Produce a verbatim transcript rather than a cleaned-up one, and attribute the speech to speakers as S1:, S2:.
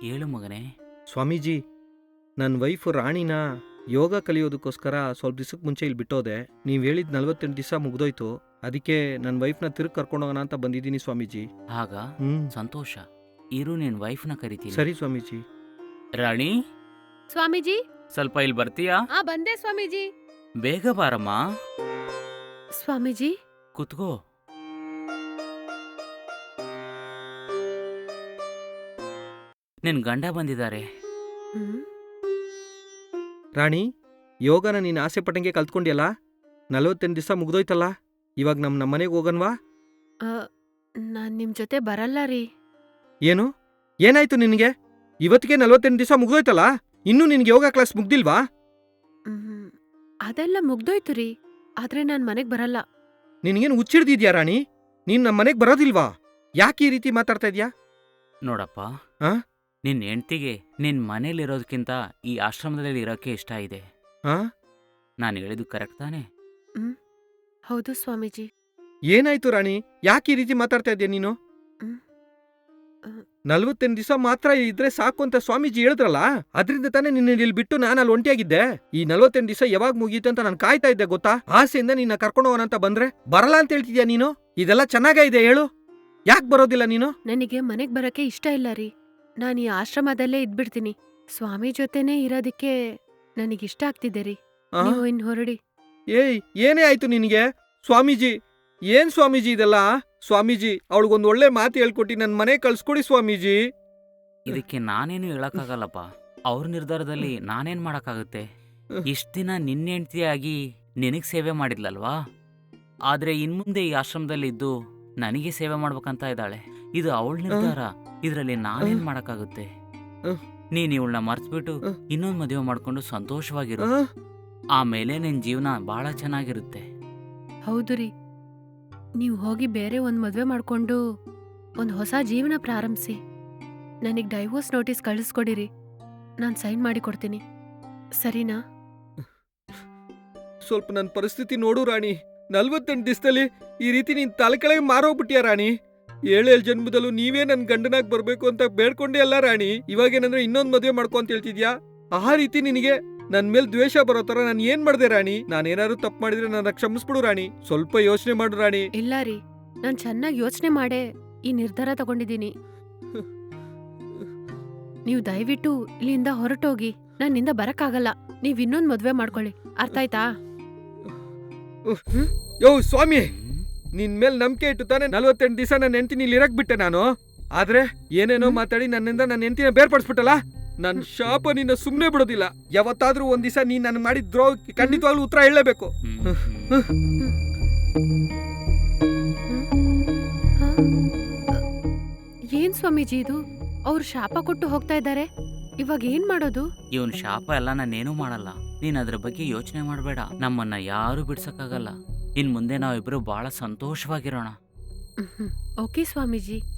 S1: ಹೇಳು ಮಗನೇ.
S2: ಸ್ವಾಮೀಜಿ, ನನ್ನ ವೈಫು ರಾಣಿನ ಯೋಗ ಕಲಿಯೋದಕ್ಕೋಸ್ಕರ ಸ್ವಲ್ಪ ದಿವಸಕ್ಕೆ ಮುಂಚೆ ಇಲ್ಲಿ ಬಿಟ್ಟೋದೆ. ನೀವು ಹೇಳಿದ ನಲ್ವತ್ತೆಂಟು ದಿವಸ ಮುಗ್ದೋಯ್ತು. ಅದಕ್ಕೆ ನನ್ನ ವೈಫ್ನ ತಿರುಗಿ ಕರ್ಕೊಂಡೋಗೋಣ ಅಂತ ಬಂದಿದ್ದೀನಿ ಸ್ವಾಮೀಜಿ.
S1: ಆಗ
S2: ಹ್ಮ್
S1: ಸಂತೋಷ. ಇರು, ನಿನ್ ವೈಫ್ನ ಕರಿತೀನಿ.
S2: ಸರಿ ಸ್ವಾಮೀಜಿ.
S1: ರಾಣಿ,
S3: ಸ್ವಾಮೀಜಿ.
S1: ಸ್ವಲ್ಪ ಇಲ್ಲಿ ಬರ್ತೀಯಾ?
S3: ಆ ಬಂದೆ ಸ್ವಾಮೀಜಿ.
S1: ಬೇಗ ಬಾರಮ್ಮ.
S3: ಸ್ವಾಮೀಜಿ.
S1: ಕುತ್ಕೋ. ನಿನ್ ಗಂಡ ಬಂದಿದ್ದಾರೆ.
S3: ಹ್ಮ್
S2: ರಾಣಿ, ಯೋಗನ ನೀನು ಆಸೆ ಪಟ್ಟಂಗೆ ಕಲ್ತ್ಕೊಂಡಿಯಲ್ಲ. ನಲ್ವತ್ತೆಂಟು ದಿವಸ ಮುಗ್ದೋಯ್ತಲ್ಲ. ಇವಾಗ ನಮ್ಮ ನಮ್ಮ ಮನೆಗೆ ಹೋಗನ್ವಾ?
S3: ಆ, ನಾನ್ ನಿಮ್ ಜೊತೆ ಬರಲ್ಲ ರೀ.
S2: ಏನು? ಏನಾಯ್ತು ನಿನಗೆ? ಇವತ್ತಿಗೆ ನಲ್ವತ್ತೆಂಟು ದಿವಸ ಮುಗ್ದೋಯ್ತಲ್ಲ. ಇನ್ನೂ ನಿನಗೆ ಯೋಗ ಕ್ಲಾಸ್ ಮುಗ್ದಿಲ್ವಾ?
S3: ಹ್ಮ್ ಅದೆಲ್ಲ ಮುಗ್ದೋಯ್ತು ರೀ. ಆದ್ರೆ ನಾನ್ ಮನೆಗ್ ಬರಲ್ಲ.
S2: ನಿನಗೇನು ಹುಚ್ಚಿಡ್ದಿದ್ಯಾ ರಾಣಿ? ನೀನು ನಮ್ಮ ಮನೆಗೆ ಬರೋದಿಲ್ವಾ? ಯಾಕೆ ಈ ರೀತಿ ಮಾತಾಡ್ತಾ ಇದ್ಯಾ?
S1: ನೋಡಪ್ಪ,
S2: ಆ?
S1: ನಿನ್ ಹೆಂಡ್ತಿಗೆ ನಿನ್ ಮನೇಲಿರೋದಕ್ಕಿಂತ ಈ ಆಶ್ರಮದಲ್ಲಿ ಇರೋಕೆ ಇಷ್ಟ ಇದೆ.
S2: ಹಾ?
S1: ನಾನು ಹೇಳಿದ್ದು ಕರೆಕ್ಟ್ ತಾನೇ?
S3: ಹ್ಮ್ ಹೌದು ಸ್ವಾಮೀಜಿ.
S2: ಏನಾಯ್ತು ರಾಣಿ? ಯಾಕೆ ಈ ರೀತಿ ಮಾತಾಡ್ತಾ ಇದ್ಯಾ ನೀನು?
S3: ಹ್ಮ್ ಆ,
S2: ನಲ್ವತ್ತೆಂಟು ದಿವಸ ಮಾತ್ರ ಇದ್ರೆ ಸಾಕು ಅಂತ ಸ್ವಾಮೀಜಿ ಹೇಳಿದ್ರಲ್ಲ. ಅದರಿಂದ ತಾನೇ ನಿನ್ನ ಇಲ್ಲಿ ಬಿಟ್ಟು ನಾನು ಅಲ್ಲಿ ಒಂಟಿಯಾಗಿದ್ದೆ. ಈ ನಲ್ವತ್ತೆಂಟು ದಿವಸ ಯಾವಾಗ ಮುಗೀತು ಅಂತ ನಾನು ಕಾಯ್ತಾ ಇದ್ದೆ ಗೊತ್ತಾ? ಆಸೆಯಿಂದ ನಿನ್ನ ಕರ್ಕೊಂಡು ಹೋಗೋಣ ಅಂತ ಬಂದ್ರೆ ಬರಲ್ಲ ಅಂತ ಹೇಳ್ತಿದ್ಯಾ ನೀನು? ಇದೆಲ್ಲ ಚೆನ್ನಾಗೇ ಇದೆ ಹೇಳು. ಯಾಕೆ ಬರೋದಿಲ್ಲ ನೀನು?
S3: ನನಗೆ ಮನೆಗ್ ಬರಕ್ಕೆ ಇಷ್ಟ ಇಲ್ಲ ರೀ. ನಾನ್ ಈ ಆಶ್ರಮದಲ್ಲೇ ಇದ್ಬಿಡ್ತೀನಿ. ಸ್ವಾಮಿ ಜೊತೆನೇ ಇರೋದಿಕ್ಕೆ ನನಗಿಷ್ಟ ಆಗ್ತಿದೆ ರೀ.
S2: ಆ?
S3: ನೀವು ಇನ್ ಹೊರಡಿ.
S2: ಏಯ್, ಏನೇ ಆಯ್ತು ನಿನಗೆ? ಸ್ವಾಮೀಜಿ, ಏನ್ ಸ್ವಾಮೀಜಿ ಇದೆಲ್ಲ? ಸ್ವಾಮೀಜಿ, ಅವಳಿಗೊಂದು ಒಳ್ಳೆ ಮಾತು ಹೇಳ್ಕೊಟ್ಟು ನನ್ನ ಮನೆ ಕಳ್ಸ್ಕೊಡಿ ಸ್ವಾಮೀಜಿ.
S1: ಇದಕ್ಕೆ ನಾನೇನು ಹೇಳಕ್ಕಾಗಲ್ಲಪ್ಪ. ಅವ್ರ ನಿರ್ಧಾರದಲ್ಲಿ ನಾನೇನ್ ಮಾಡಕ್ಕಾಗುತ್ತೆ? ಇಷ್ಟ ದಿನ ನಿನ್ನ ಹೆಂಡ್ತಿಯಾಗಿ ನಿನಗ್ ಸೇವೆ ಮಾಡಿದ್ಲಲ್ವಾ? ಆದ್ರೆ ಇನ್ಮುಂದೆ ಈ ಆಶ್ರಮದಲ್ಲಿ ಇದ್ದು ನನಗೆ ಸೇವೆ ಮಾಡ್ಬೇಕಂತ ಇದ್ದಾಳೆ. ಇದು ಅವಳ ನಿರ್ಧಾರ. ಇದ್ರಲ್ಲಿ ನಾನೇನ್ ಮಾಡಕ್ಕಾಗುತ್ತೆ? ನೀನ್ ಇವಳನ್ನ ಮರ್ತ್ಬಿಟ್ಟು ಇನ್ನೊಂದ್ ಮದುವೆ ಮಾಡ್ಕೊಂಡು ಸಂತೋಷವಾಗಿರು.
S2: ಆ?
S1: ಆಮೇಲೆ ನಿನ್ ಜೀವನ ಬಹಳ ಚೆನ್ನಾಗಿರುತ್ತೆ.
S3: ಹೌದು ರೀ. ನೀವು ಹೋಗಿ ಬೇರೆ ಒಂದ್ ಮದ್ವೆ ಮಾಡ್ಕೊಂಡು ಒಂದ್ ಹೊಸ ಜೀವನ ಪ್ರಾರಂಭಿಸಿ. ನನಗ್ ಡೈವೋರ್ಸ್ ನೋಟಿಸ್ ಕಳಿಸ್ಕೊಡಿರಿ. ನಾನ್ ಸೈನ್ ಮಾಡಿ ಕೊಡ್ತೀನಿ. ಸರಿನಾ?
S2: ಸ್ವಲ್ಪ ನನ್ನ ಪರಿಸ್ಥಿತಿ ನೋಡು ರಾಣಿ. ನಲ್ವತ್ತೆಂಟು ದಿವಸದಲ್ಲಿ ಈ ರೀತಿ ನೀನ್ ತಲೆ ಕೆಳಗೆ ಮಾರೋಗ್ಬಿಟ್ಯಾ ರಾಣಿ. ಏಳೇಳು ಜನ್ಮದಲ್ಲೂ ನೀವೇ ನನ್ ಗಂಡನಾಗ್ ಬರ್ಬೇಕು ಅಂತ ಬೇಡ್ಕೊಂಡೇ ಅಲ್ಲ ರಾಣಿ. ಇವಾಗೇನಂದ್ರೆ ಇನ್ನೊಂದ್ ಮದ್ವೆ ಮಾಡ್ಕೊ ಅಂತ ಹೇಳ್ತಿದ್ಯಾ? ಆ ರೀತಿ ನಿನಗೆ ನನ್ ಮೇಲ್ ದ್ವೇಷ ಬರೋ ತರ ನಾನು ಏನ್ ಮಾಡ್ದೆ ರಾಣಿ? ನಾನೇನಾದ್ರು ತಪ್ಪು ಮಾಡಿದ್ರೆ ನನ್ನ ಕ್ಷಮಿಸ್ಬಿಡು ರಾಣಿ. ಸ್ವಲ್ಪ ಯೋಚನೆ ಮಾಡು ರಾಣಿ.
S3: ಇಲ್ಲ ರೀ, ನಾನ್ ಚೆನ್ನಾಗಿ ಯೋಚನೆ ಮಾಡೇ ಈ ನಿರ್ಧಾರ ತಗೊಂಡಿದ್ದೀನಿ. ನೀವು ದಯವಿಟ್ಟು ಇಲ್ಲಿಂದ ಹೊರಟೋಗಿ. ನನ್ನಿಂದ ಬರಕ್ಕಾಗಲ್ಲ. ನೀವ್ ಇನ್ನೊಂದ್ ಮದ್ವೆ ಮಾಡ್ಕೊಳ್ಳಿ. ಅರ್ಥ ಆಯ್ತಾ?
S2: ಯೋ ಸ್ವಾಮಿ, ನಿನ್ ಮೇಲ್ ನಂಬಿಕೆ ಇಟ್ಟು ತಾನೆ ನಲ್ವತ್ತೆಂಟು ದಿವಸ ನನ್ನ ಹೆಂಡತಿನ ಇಲ್ಲಿ ಇರಕ್ ಬಿಟ್ಟೆ ನಾನು. ಆದ್ರೆ ಏನೇನೋ ಮಾತಾಡಿ ನನ್ನಿಂದ ನನ್ನ ಹೆಂಡತಿನ ಬೇರ್ಪಡಿಸ್ಬಿಟ್ಟಲ್ಲ. ನನ್ ಶಾಪ ನಿನ್ನ ಸುಮ್ನೆ ಬಿಡೋದಿಲ್ಲ. ಯಾವತ್ತಾದ್ರೂ ಒಂದ್ ದಿವಸ ನೀನ್ ನನ್ ಮಾಡಿದ ದ್ರೋಹಕ್ಕೆ ಖಂಡಿತವಾಗ್ಲೂ ಉತ್ತರ ಹೇಳಲೇಬೇಕು.
S3: ಏನ್ ಸ್ವಾಮೀಜಿ ಇದು? ಅವ್ರು ಶಾಪ ಕೊಟ್ಟು ಹೋಗ್ತಾ ಇದ್ದಾರೆ. ಇವಾಗ ಏನ್ ಮಾಡೋದು?
S1: ಇವನ್ ಶಾಪ ಎಲ್ಲ ನಾನೇನು ಮಾಡಲ್ಲ. ನೀನ್ ಅದ್ರ ಬಗ್ಗೆ ಯೋಚನೆ ಮಾಡಬೇಡ. ನಮ್ಮನ್ನ ಯಾರು ಬಿಡ್ಸಕ್ಕಾಗಲ್ಲ. ಇನ್ ಮುಂದೆ ನಾವಿಬ್ರು ಬಹಳ ಸಂತೋಷವಾಗಿರೋಣ.
S3: ಓಕೆ ಸ್ವಾಮೀಜಿ.